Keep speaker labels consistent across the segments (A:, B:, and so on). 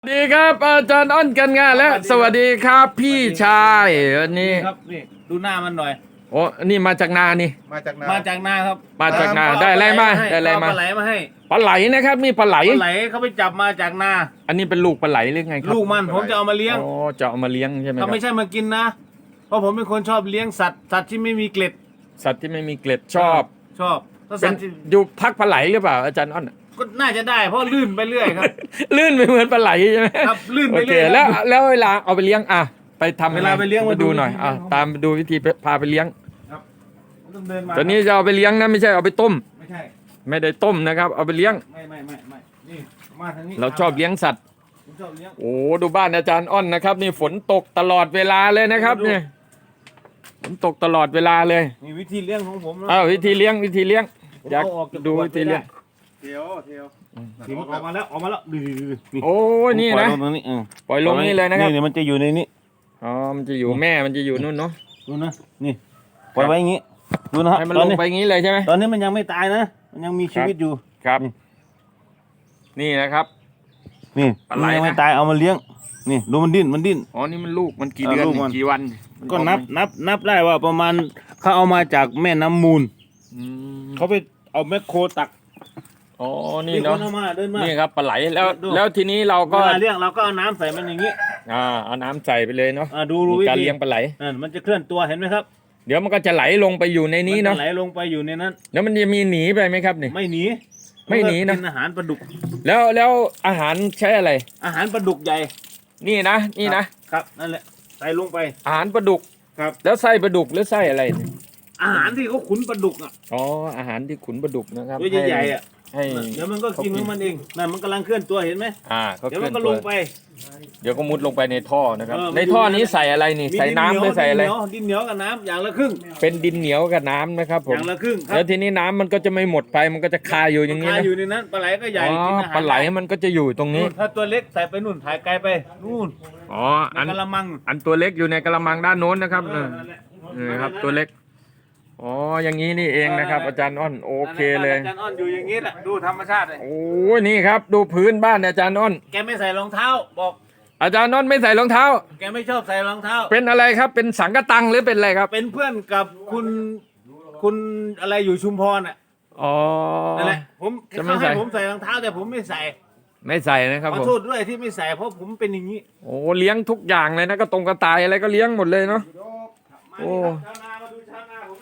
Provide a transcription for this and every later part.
A: สวัสดีครับอาจารย์อ้อนกันงานและสวัสดีครับพี่ชายวันนี้
B: ครับนี่ดูหน้ามันหน่อย
A: โอ้นี่มาจากนานี่
C: มาจากนา
B: มาจากนาครับ
A: มาจากนาได้อะไรมาได้อะไรมา
B: ปลาไหลมาให้
A: ปลาไหลนะครับนี่ปลาไหล
B: ปลาไหลเขาไปจับมาจากนา
A: อันนี้เป็นลูกปลาไหลหรือไงครับ
B: ลูกมันผมจะเอามาเลี้ยง
A: โอ้จะเอามาเลี้ยงใช่ไหมค
B: ถ้า
A: รับ
B: ไม่ใช่มากินนะ เพราะผมเป็นคนชอบเลี้ยงสัตว์ที่ไม่มีเกล็ด
A: สัตว์ที่ไม่มีเกล็ดชอบ
B: ชอบถ้า
A: เป็
B: สั
A: น
B: ตว์ที่
A: อยู่พักปลาไหลหรือเปล่าอาจารย์อ้อน
B: ก็น่าจะได้เพราะลื่นไปเรื่อยครับ
A: ลื่นไปเหมือนปลาไหลใช่ไหม
B: ครับลื่น
A: โอ
B: ไป
A: เค
B: เรื่อย
A: แล้วเวลาเอาไปเลี้ยงอ่ะไปทำ
B: เวลาไปเลี้ยง
A: มาดูหน่อย
B: มาดู
A: อ่ะตามดูวิธีพาไปเลี้ยง
B: ครับต้องเดินมา
A: ตอนนี้จะเอาไปเลี้ยงนะไม่ใช่เอาไปต้ม
B: ไม่ใช่
A: ไม่ได้ต้มนะครับ เอาไปเลี้ยง
B: ไม่นี่มาทางนี้
A: เราชอบเลี้ยงสัตว์
B: ผมชอบเลี้ยง
A: โอ้ดูบ้านอาจารย์อ้อนนะครับ นี่ฝนตกตลอดเวลาเลยนะครับเนี่ยฝนตกตลอดเวลาเลย
B: นี่วิธีเลี้ยงของผมนะ
A: อ้าววิธีเลี้ยงอยาก
B: ผมเอาออกจาก
A: ดู
B: ขวด
A: วิธีเลี้ยง
C: เทียว
B: ถึงออกมาแล้วดูนี่
A: โอ้ยนี่นะ
B: ปล่อยลงตรงนี้
A: ปล่อยลงนี่เลยนะครับ
B: นี่มันจะอยู่ในนี้
A: อ๋อมันจะอยู่แม่มันจะอยู่นู่นเนาะ
B: ดูนะนี่ปล่อยไว้อย่างงี้ดูนะครับ
A: ให้มัน
B: ต
A: ล
B: อน
A: ง
B: นี้
A: ไปงี้เลยใช่ไหม
B: ตอนนี้มันยังไม่ตายนะ มันยังมีชีวิตอยู่
A: ครับ
B: นี่
A: นี่นะครับ
B: นี่
A: ปลาไหล
B: มันยังไม่
A: นะ
B: ตายเอามาเลี้ยงนี่ดูมันดิ้น
A: อ๋อนี่มันลูกมันกี่เดือน
B: ลูกมัน
A: กี่วัน
B: ก็นับได้ว่าประมาณเขาเอามาจากแม่น้ำมูล
A: อืม
B: เขาไปเอาแมคโครตัก
A: อ๋อนี่
B: ค
A: เนาะ
B: เอามาเดินมา
A: นี่ครับปลาไหลแล้ว
B: ดู
A: แล้วทีนี้เรา
B: เว
A: ก็
B: ลาเลี้ยงเราก็เอาน้ำใส่มันอย่างงี้
A: เอาน้ำใส่ไปเลยเนาะ
B: ดู
A: มี
B: วิ
A: การ
B: ธี
A: เลี้ยงปลาไหล
B: นั่นมันจะเคลื่อนตัวเห็นไหมครับ
A: เดี๋ยวมันก็จะไหลลงไปอยู่ในนี้เนาะ
B: มัจไหลลงไปอยู่ในนั้น
A: แล้วมันจะมีหนีไปไหมครับนี่
B: ไม่หนี
A: ไม่หนีนะ
B: มัก็กิอาหารปลาดุก
A: แล้วอาหารใช้อะไร
B: อาหารปลาดุกใหญ่
A: นี่นะครับ
B: นั่นแหละใส่ลงไป
A: อาหารปลาดุก
B: ครับ
A: แล้วไส้ปลาดุกหรือไส้อะไรเนี่ย
B: อาหารที่เขาขุนปลาดุกอ่ะ
A: อ๋ออาหารที่ขุนปลาดุกนะครับ
B: ตัวใหญ่ๆอ่ะ
A: ให้
B: เดี๋ยวมันก็กินของมันเองนั่นมันกำลังเคลื่อนตัวเห็นไหม
A: เขา
B: เดี๋ยว
A: เค
B: มั
A: ลื่อน น
B: ก็
A: ตั
B: ล
A: ว
B: งไป
A: เดี๋ยวก็มุดลงไปในท่อนะครับ
B: มัน
A: ใน
B: อยู่
A: ท่อ
B: ในนั้น
A: นี้ใส่อะไรนี่
B: มี
A: ใส่น้ำหรือใส่อะไร
B: ดินเหนียวกับน้ำอย่างละครึ่ง
A: เป็นดินเหนียวกับน้ำนะครับผ
B: อ
A: ม
B: ย่างละครึ่งครับ
A: แล้วทีนี้น้ำมันก็จะไม่หมดไปมันก็จะคาอยู่อย่างนี้
B: คา
A: นะ
B: อยู่ในนั้นปลาไหลก็ใหญ่
A: อ๋อ
B: กินอาหาร
A: ปลาไหลมันก็จะอยู่ตรงนี้
B: นู่นถ้าตัวเล็กใส่ไปนู่นถ่ายไกลไปนู่น
A: อ๋อ
B: ใน
A: อัน
B: กระมัง
A: อันตัวเล็กอยู่ในกระมังด้านโน้นนะครับ
B: นั่นแหละ
A: นี่ครับตัวเล็กอ๋ออย่างนี้นี่เองนะครับ อาจารย์อ้อนโอเคเลย
B: อาจารย์อ้อนอยู่อย่างนี้แหละดูธรรมชาติเลย
A: โอ้ยนี่ครับดูพื้นบ้านอาจารย์อ้อน
B: แกไม่ใส่รองเท้าบอก
A: อาจารย์อ้อนไม่ใส่รองเท้า
B: แกไม่ชอบใส่รองเท้า
A: เป็นอะไรครับเป็นสังกะตังหรือเป็นอะไรครับ
B: เป็นเพื่อนกับคุณอะไรอยู่ชุมพรอ่ะ
A: อ๋อ
B: นั่นแหละผม
A: จะไม่
B: เขา
A: ใส่
B: ให้ผมใส่รองเท้าแต่ผมไม่ใส่
A: ไม่ใส่นะครับ
B: ขอ
A: ผม
B: โทษด้วยที่ไม่ใส่เพราะผมเป็นอย่างนี้
A: โอ้เลี้ยงทุกอย่างเลยนะก็ตรงกระต่ายอะไรก็เลี้ยงหมดเลยเนาะ
B: มา
A: โอ้
B: ดิครับชาวนามาดูชาวนาผม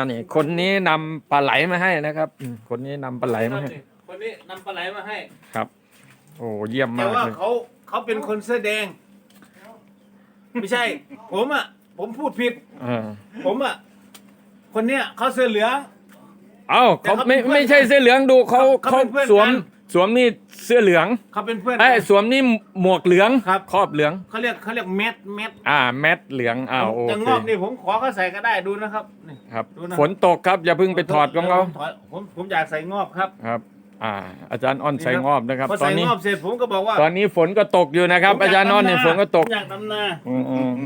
A: นี่คนนี้นำปลาไหลมาให้นะครับคนนี้นำปลาไหลมาให้
B: คนนี้นำปลาไหลมาให้
A: ครับ โอ้เยี่ยม
B: แต่
A: มาก
B: ว่า
A: เลย
B: เขาเป็นคนเสื้อแดง ไม่ใช่ ผมพูดผิด
A: อ่า
B: ผมคนเนี้ยเขาเสื้อเหลือง
A: เอ้า
B: แต่
A: เขา
B: เขาเป็นเพื่อน
A: ไม่ใช่เสื้อเหลืองดูเขา
B: เขาเป็นเพื่อน
A: สวม
B: กัน
A: สวมนี่เสื้อเหลือง
B: เขาเป็นเพื่อน
A: ไอ้ย
B: กัน
A: สวมนี่หมวกเหลือง
B: ครับ
A: ครอบเหลือง
B: เขาเรียกแมท
A: แมทเหลืองโอ
B: จะ
A: เค
B: งอกนี่ผมขอเขาใส่ก็ได้ดูนะครับนี่
A: ครับ
B: ดูนะ
A: ฝนตกครับอย่าเพิ่งไปถอดของเขา
B: ผมอยากใส่งอบครับ
A: ครับ อาจารย์อ้อนใส่งอบนะครับ
B: พอ
A: ตอ
B: ใส่
A: นนี้
B: งอบเสร็จผมก็บอกว่า
A: ตอนนี้ฝนก็ตกอยู่นะครับ อาจารย์อ้อนเนี่ยฝนก็ตก
B: ผมอยากดำนา
A: อืม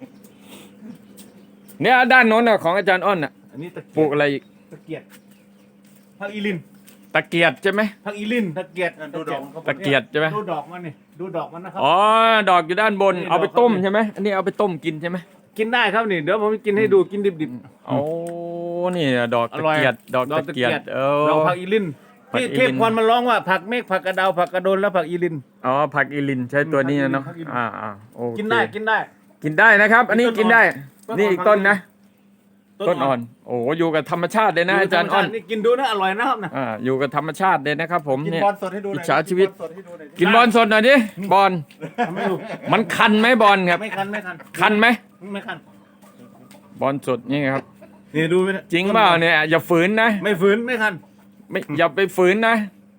A: เนี่ยด้านโน้นน่ะของอาจารย์อ้อนน่ะ
B: อันนี้ตะ
A: ปลู
B: เกีย
A: ก
B: บ
A: อะไรอีก
B: ตะเกียบผักอีลิน
A: ตะเกียดใช่ไหม
B: ผักอีลินตะเกียบ
C: ดูดอก
A: ตะเกียบใช่ไหม
B: ดูดอกมันนี่ดูดอกมันนะครับ
A: อ๋อดอกอยู่ด้านบน
B: นี่
A: เอาไป
B: ดอกเขา
A: ต้ม
B: นี่
A: ใช่ไหมอันนี้เอาไปต้มกินใช่ไหม
B: กินได้ครับนี่เดี๋ยวผมกินให้ดูกินดิบ
A: โอ้นี่ดอก
B: อ
A: ตะ
B: ร่อย
A: เกียดดอก
B: ดอก
A: ตะ
B: ตะเกี
A: เกีย
B: ย
A: ด
B: บ
A: เอ
B: ๆดอก
A: อ
B: ผักอีลิน
A: ผัก
B: ที่
A: อีลิน
B: เทพพรมันร้องว่าผักเมฆผักกระเดาผักกระโดนและผักอีลิน
A: อ๋อผักอีลินใช้ตัวนี้นะเนาะ
B: ผักอีลิน
A: โอเค
B: กินได้กินได้
A: กินได้นะครับ อันนี้กินได้
B: ต้นอ่อน
A: นี่อีกต้นนะต้นอ่อนโอ้อยู่กับธรรมชาติเลยนะอาจารย์อ้อน
B: นี่กินดูนะอร่อยนะครับนะ
A: อยู่กับธรรมชาติเลยนะครับ ผม
C: กิน
A: เนี่ย
C: บอลสดให้ดูหน่อย
A: อิจฉาชีวิต
C: กินบอลสดให้ดูหน่อย
A: กินบอลสดหน่อยดิบอล
B: ทำให้ดู
A: มันคันไหมบอลครับ
B: ไม่คันไม่คัน
A: คันไหม
B: ไม่คัน
A: บอลสดนี่ครับ
B: นี่ดูไหม
A: จริงเปล่าเนี่ยอย่าฝืนนะ
B: ไม่ฝืนไม่คัน
A: ไม่อย่าไปฝืนนะ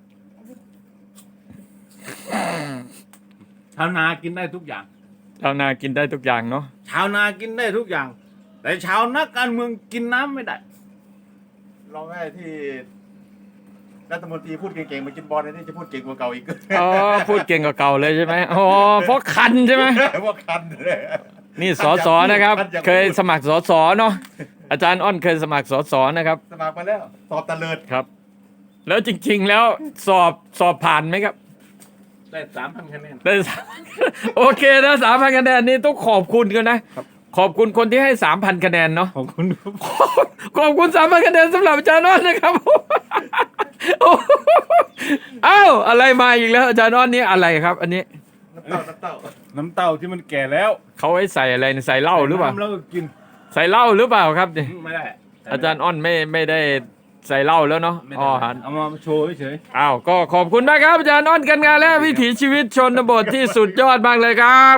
B: ชาวนากินได้ทุกอย่าง
A: ชาวนากินได้ทุกอย่างเนาะ
B: ชาวนากินได้ทุกอย่าง แต่ชาวนักการเมืองกินน้ำไม่ได้
C: ลองให้ที่รัฐมนตรีพูดเก่งๆมากินบอลนี่จะพูดเก่งกว่าเก่าอีก
A: อ๋อพูดเก่งกว่าเก่าเลยใช่ไหมอ๋อเพราะคันใช่ไหม
C: ว่าคันเลย
A: นี่สสนะครับ เคยสมัครสสเนาะอาจารย์อ้อนเคยสมัครสสนะครับ
C: สมัครมาแล้วสอบตะเลิด
A: ครับ แล้วจริงๆแล้วสอบผ่านไหมครับ
B: ได้3,000 คะแนน
A: ได้3,000 โอเคนะ3,000 คะแนนนี่ต้องขอบคุณกันนะ ขอบคุณคนที่ให้ 3,000 คะแนนเนาะ
C: ขอบคุณครับ
A: ขอบคุณ 3,000 คะแนนสำหรับอาจารย์อ้อนนะครับ เอ้าอะไรมาอีกแล้วอาจารย์อ้อนนี่อะไรครับ อันนี้
C: น้ำเต้า
B: น้ำเต้าที่มันแก่แล้ว
A: เขาไว้ใส่อะไรใส่เหล้าหรือเปล่า
B: น้ำแล้วก็กิน
A: ใส่เหล้าหรือเปล่าครับนี่
B: ไม่ได้
A: อาจารย์อ้อนไม่ได้ใส่เหล้าแล้วเนาะ
B: ไม่
A: อ๋
B: ได้
A: อ
B: เอามาโชว์เฉย
A: อ้าวก็ขอบคุณมากครับอาจารย์อ้อนกันงานและวิถีชีวิตชนบทที่สุดยอดมากเลยครับ